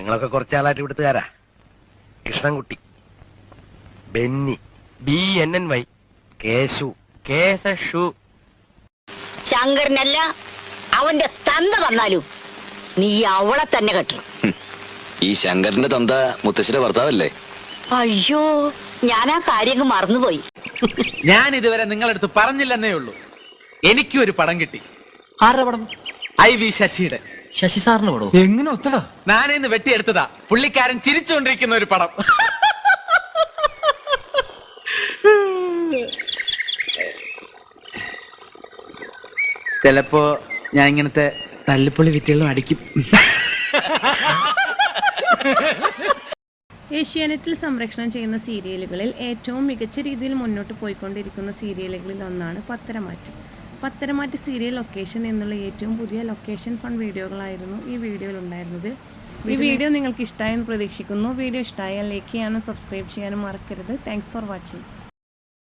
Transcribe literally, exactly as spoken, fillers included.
ഞങ്ങളൊക്കെ കുറച്ചാളായിട്ട് ഇവിടുത്തുകാരാ. Krishnankutty, Benny, B N N Y, Keshu, Keshu. ശങ്കരനല്ല അവന്റെ തന്ത വന്നാലും നീ അവളെ തന്നെ കെട്ടണം. ഈ ശങ്കരന്റെ തന്ത മുത്തശ്ശിയുടെ ഭർത്താവല്ലേ? അയ്യോ, ഞാൻ ആ കാര്യം മറന്നുപോയി. ഞാൻ ഇതുവരെ നിങ്ങളടുത്ത് പറഞ്ഞില്ലെന്നേ ഉള്ളൂ. എനിക്കും ഒരു പടം കിട്ടി. ആരുടെ പടം? ഐ വി ശശിയുടെ. ശശി സാറിന് പടം? എങ്ങനെ ഒത്തടാ? ഞാനിന്ന് വെട്ടിയെടുത്തതാ. പുള്ളിക്കാരൻ ചിരിച്ചുകൊണ്ടിരിക്കുന്ന ഒരു പടം. ചിലപ്പോ ഞാൻ ഇങ്ങനത്തെ തല്ലിപ്പൊളി വിറ്റുകളും അടിക്കും. ഏഷ്യാനെറ്റിൽ സംപ്രേഷണം ചെയ്യുന്ന സീരിയലുകളിൽ ഏറ്റവും മികച്ച രീതിയിൽ മുന്നോട്ട് പോയിക്കൊണ്ടിരിക്കുന്ന സീരിയലുകളിൽ ഒന്നാണ് പത്തരമാറ്റ്. പത്തരമാറ്റ് സീരിയൽ ലൊക്കേഷൻ എന്നുള്ള ഏറ്റവും പുതിയ ലൊക്കേഷൻ ഫൺ വീഡിയോകളായിരുന്നു ഈ വീഡിയോയിൽ ഉണ്ടായിരുന്നത്. ഈ വീഡിയോ നിങ്ങൾക്ക് ഇഷ്ടമായെന്ന് പ്രതീക്ഷിക്കുന്നു. വീഡിയോ ഇഷ്ടമായാൽ ലൈക്ക് ചെയ്യാനും സബ്സ്ക്രൈബ് ചെയ്യാനും മറക്കരുത്. Thanks for watching.